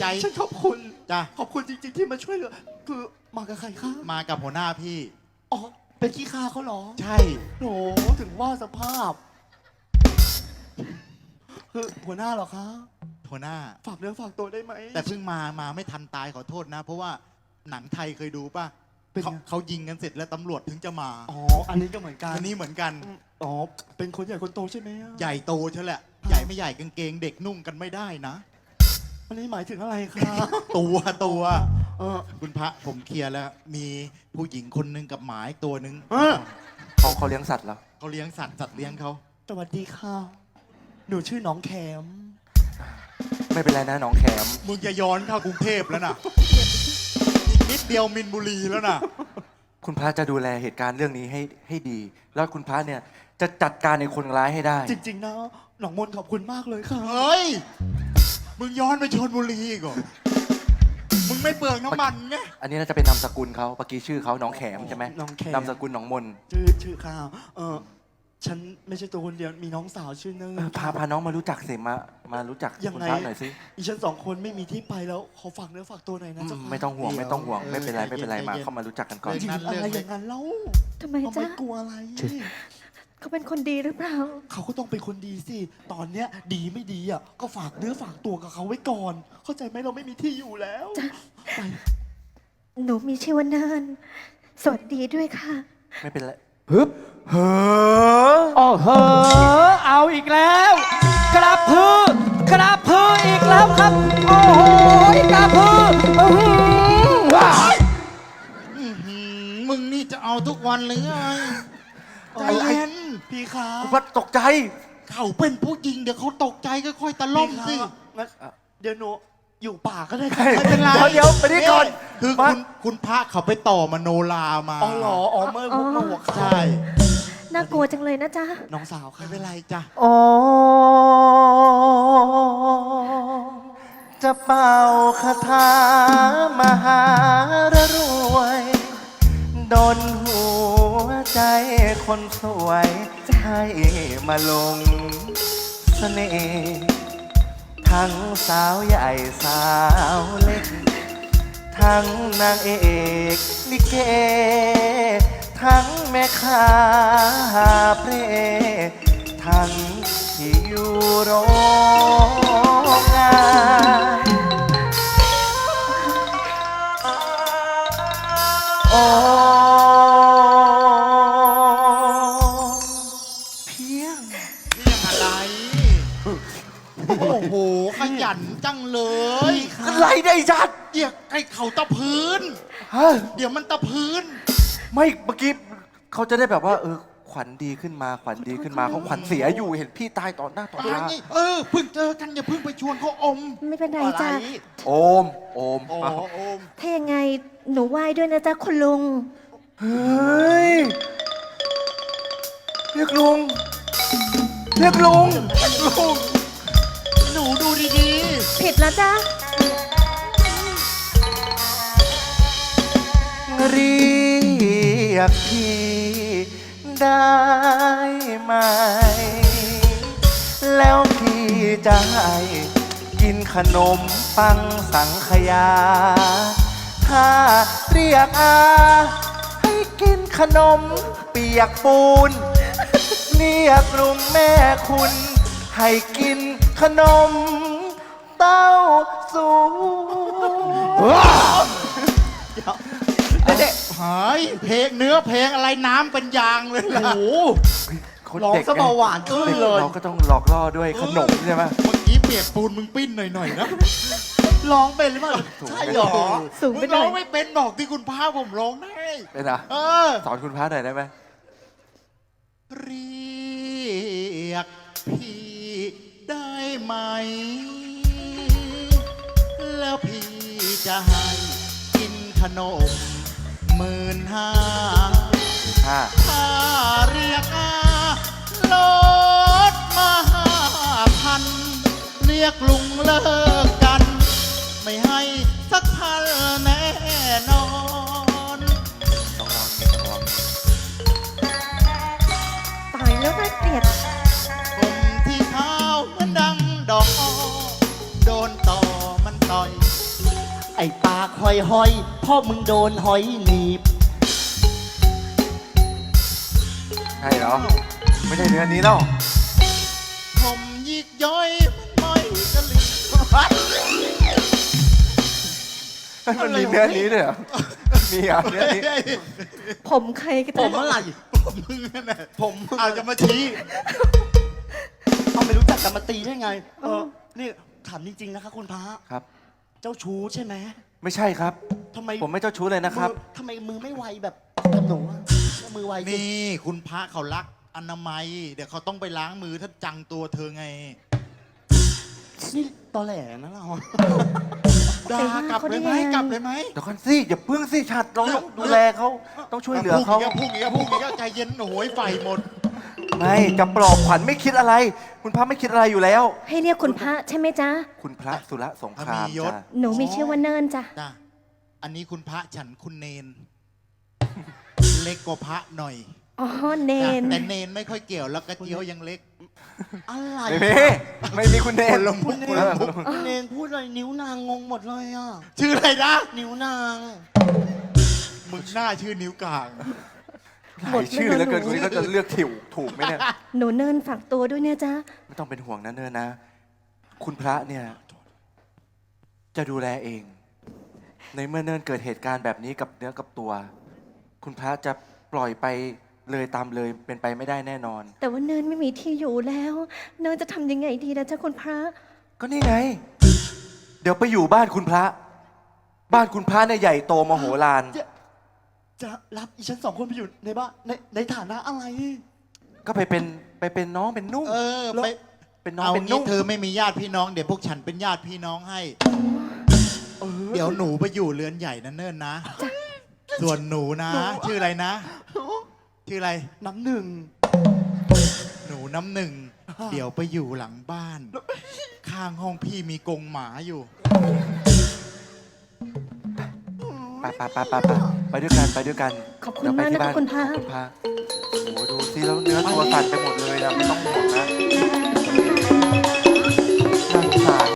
ใจฉันขอบคุณจ้ะขอบคุณจริงๆที่มาช่วยเหลือคือมากับใครคะมากับหัวหน้าพี่อ๋อเป็นขี้ข้าเขาเหรอใช่โหถึงว่าสภาพคือหัวหน้าเหรอคะหัวหน้าฝากเนื้อฝากตัวได้ไหมแต่เพิ่งมาไม่ทันตายขอโทษนะ เพราะว่าหนังไทยเคยดูป่ะเป็นไงเขายิงกันเสร็จแล้วตำรวจถึงจะมาอ๋ออันนี้ก็เหมือนกันอันนี้เหมือนกันอ๋อเป็นคนใหญ่คนโตใช่ไหมอะใหญ่โตใช่แหละ ใหญ่ไม่ใหญ่กางเกงเด็กนุ่งกันไม่ได้นะอันนี้หมายถึงอะไรคะตัวเออคุณพระผมเคลียร์แล้ว มีผู้หญิงคนหนึ่งกับหมาอีกตัวหนึ่งเออเขาเลี้ยงสัตว์เหรอเขาเลี้ยงสัตว์เลี้ยงเขาสวัสดีค่ะ หนูชื่อน้องแคมไม่เป็นไรนะน้องแขมมึงจะย้อนเข้ากรุงเทพแล้วนะอีกนิดเดียวมินบุรีแล้วนะคุณพระจะดูแลเหตุการณ์เรื่องนี้ให้ดี แล้วคุณพระเนี่ยจะจัดการในคนร้ายให้ได้จริงๆนะหนองมนต์ขอบคุณมากเลยค่ะเฮ้ย มึงย้อนไปชลบุรีอีก่อนมึงไม่เปลืองน้ำมันไงอันนี้น่าจะเป็นนามสกุลเขาเมื่อกี้ชื่อเขาน้องแขมใช่ไหมน้องแคมนามสกุลหนองมนชื่อข้าวฉันไม่ใช่ตัวคนเดียวมีน้องสาวชื่อเนยพาน้องมารู้จักสิมารู้จักยังคุณไงพระหน่อยสิอีฉันสองคนไม่มีที่ไปแล้วขอฝากเนื้อฝากตัวหน่อยนะเจ้าค่ะไม่ต้องห่วงไม่ต้องห่วงไม่เป็นไรไม่เป็นไรมาเข้ามารู้จักกันก่อนจริงๆอะไรอย่างนั้นเล่าทำไมเราจ๊ะไม่กลัวอะไรเขาเป็นคนดีหรือเปล่าเขาก็ต้องเป็นคนดีสิตอนเนี้ยดีไม่ดีอ่ะก็ฝากเนื้อฝากตัวกับเขาไว้ก่อน เข้าใจไหมเราไม่มีที่อยู่แล้วไปหนูมีชื่อว่าเนินสวัสดีด้วยค่ะไม่เป็นไรฮึบเฮ้อโอ้โหเอาอีกแล้ว กระพือกระพืออีกแล้วครับ โอ้โหกระพืออื้อหือว้าวมึงนี่จะเอาทุกวันหรือไงใจเย็นพี่คะคุณพระตกใจเขาเป็นผู้หญิงเดี๋ยวเขาตกใจก็ค่อยตะล่อมสิพี่คะงั้นเดี๋ยวหนูอยู่ป่าก็ได้ไม่เป็นไรเดี๋ยวไปนี่ก่อนคือมาคุณพระเขาไปต่อมโนรามาอ๋อเหรออ๋อเมื่อหัวข้าใช่น่ากลัวจังเลยนะจ๊ะน้องสาวค่ะไม่เป็นไรจ้ะโอ้จะเป่าคาถามหารรวย โดนหัวใจคนสวยให้มาลงเสน่ห์ทั้งสาวใหญ่สาวเล็ก ทั้งนางเอกลิเก ทั้งแม่ค้าเพลทั้งที่อยู่โรงงานโอ้เพียงนี่ยังอะไร โอ้โห ขยันจังเลยอะไรได้จัดเดี๋ยวไอ้เขาตะพื้นฮะเดี๋ยวมันตะพื้นไม่เมื่อกี้เขาจะได้แบบว่า ขวัญดีขึ้นมาขวัญดีขึ้นมาเขาขวัญเสียอยู่เห็นพี่ตายต่อหน้าต่อตาเพิ่งเจอกันอย่าเพิ่งไปชวนเขาอมไม่เป็นไรอะไรจ้ะโอมโอ้มาโอมถ้ายังไงหนูไหว้ด้วยนะจ๊ะคุณลุงเฮ้ยเรียกลุงเรียกลุงลุงหนูดูดีผิดแล้วจ้ะเรียกพี่ได้ไหม แล้วพี่จะให้กินขนมปังสังขยา ถ้าเรียกอาให้กินขนมเปียกปูน เรียกลุงแม่คุณ ให้กินขนมเต้าสูงเด็กหายเพลงเนื้อเพลงอะไรน้ำเป็นยางเลยล่ะโอ้โหคนร้องเด็กซะเบาหวานขึ้นเลยเราก็ต้องหลอกล่อด้วยขนมใช่ไหมเมื่อกี้เปียกปูนมึงปิ้นหน่อยๆนะร้องเป็นหรือเปล่าใช่เหรอสูงมึไปงหน่ร้ออย งไม่เป็นบอกที่คุณพาผมร้องได้เป็นอะเออสอนคุณพระหน่อยได้ไหมเรียกพี่ได้ไหม แล้วพี่จะให้กินขนม15,000 ห้าถ้าเรียกอาลดมา5,000 เรียกลุงเลิกกัน ไม่ให้สักพันแน่นอนต้องลองต้องลองตายแล้วน่าเกลียดผมที่เท้าเหมือนดังดอกอ้อโดนต่อมันต่อยากหอยๆพ่อมึงโดนหอยหนีบใช่เหรอ ไม่ใช่เนื้อนี้แล้วผมยิกย้อยมันม้อยกะลิงมันมีเนื้อนี้ด้วยเหรอ มีอ่ะเนื้อนี้ผมใครกันผมอะไรผมมึงนั่นแหละผมมึงเอาจะมาชี้เอาไม่รู้จักกันมาตีได้ไง นี่ถามจริงๆนะคะคุณพระครับเจ้าชู้ใช่ไหมไม่ใช่ครับทำไมผมไม่เจ้าชู้เลยนะครับทำไมมือไม่ไวแบบกับหนูอะมือไวสินี่คุณพระเขารักอนามัย เดี๋ยวเขาต้องไปล้างมือถ้าจังตัวเธอไงนี่ตอแหลนะเราด่ากลับเลยไหมกลับเลยไหมเดี๋ยวก่อนสิอย่าเพิ่งสิชัดเราต้องดูแลเขาต้องช่วยเหลือเขาพูดอีกแล้วใจเย็นโอ้ยไฟหมดไม่จะปลอบขวัญไม่คิดอะไร คุณพระไม่คิดอะไรอยู่แล้วให้เรียกคุณพระใช่ไหมจ๊ะคุณพระสุรสงครามมียศจ้ะหนูมีชื่อว่าเนินจ้ะจ้ะอันนี้คุณพระฉันคุณเนน เล็กกว่าพระหน่อยอ๋อ เนนแต่เนนไม่ค่อยเกี่ยวแล้วกระเจียวยังเล็กอะไรไม่มีคุณเนครนละมุกคนละมุกคุณเนนพูดอะไรนิ้วนางงงหมดเลยอ่ะชื่ออะไรนะนิ้วนางมึงหน้าชื่อนิ้วกลางหลายชื่อแล้วเกินคนนี้ก็จะเลือกถูกไหมเนี่ยหนูเนินฝากตัวด้วยเนี่ยจ๊ะไม่ต้องเป็นห่วงนะเนินนะ คุณพระเนี่ย จะดูแลเอง ในเมื่อเนินเกิดเหตุการณ์แบบนี้กับเนื้อกับตัว คุณพระจะปล่อยไปเลยตามเลยเป็นไปไม่ได้แน่นอนแต่ว่าเนินไม่มีที่อยู่แล้ว เนินจะทำยังไงดีนะจ๊ะคุณพระก็นี่ไง เดี๋ยวไปอยู่บ้านคุณพระ บ้านคุณพระเนี่ยใหญ่โตมโหฬารจะรับอีฉันสองคนไปอยู่ในบ้านในฐานะอะไรก็ไปเป็นน้องเป็นนุ่งเออไปเป็นน้องเอาเป็นงี้นุ่งเธอไม่มีญาติพี่น้องเดี๋ยวพวกฉันเป็นญาติพี่น้องให้เออเดี๋ยวหนูไปอยู่เรือนใหญ่นั่นเนิ่นนะ ส่วนหนูนะ ชื่ออะไรนะ ชื่ออะไรน้ำหนึ่งหนูน้ำหนึ่ง เดี๋ยวไปอยู่หลังบ้าน ข้างห้องพี่มีกรงหมาอยู่ไปด้วยกันขอบคุณเดี๋ยวไปมากนะคะที่บ้คุณพระคุณพระโอ้โหดูสิแล้วเนื้อตัวสั่นไปหมดเลยนะไม่ต้องห่วงนะน่าสงสาร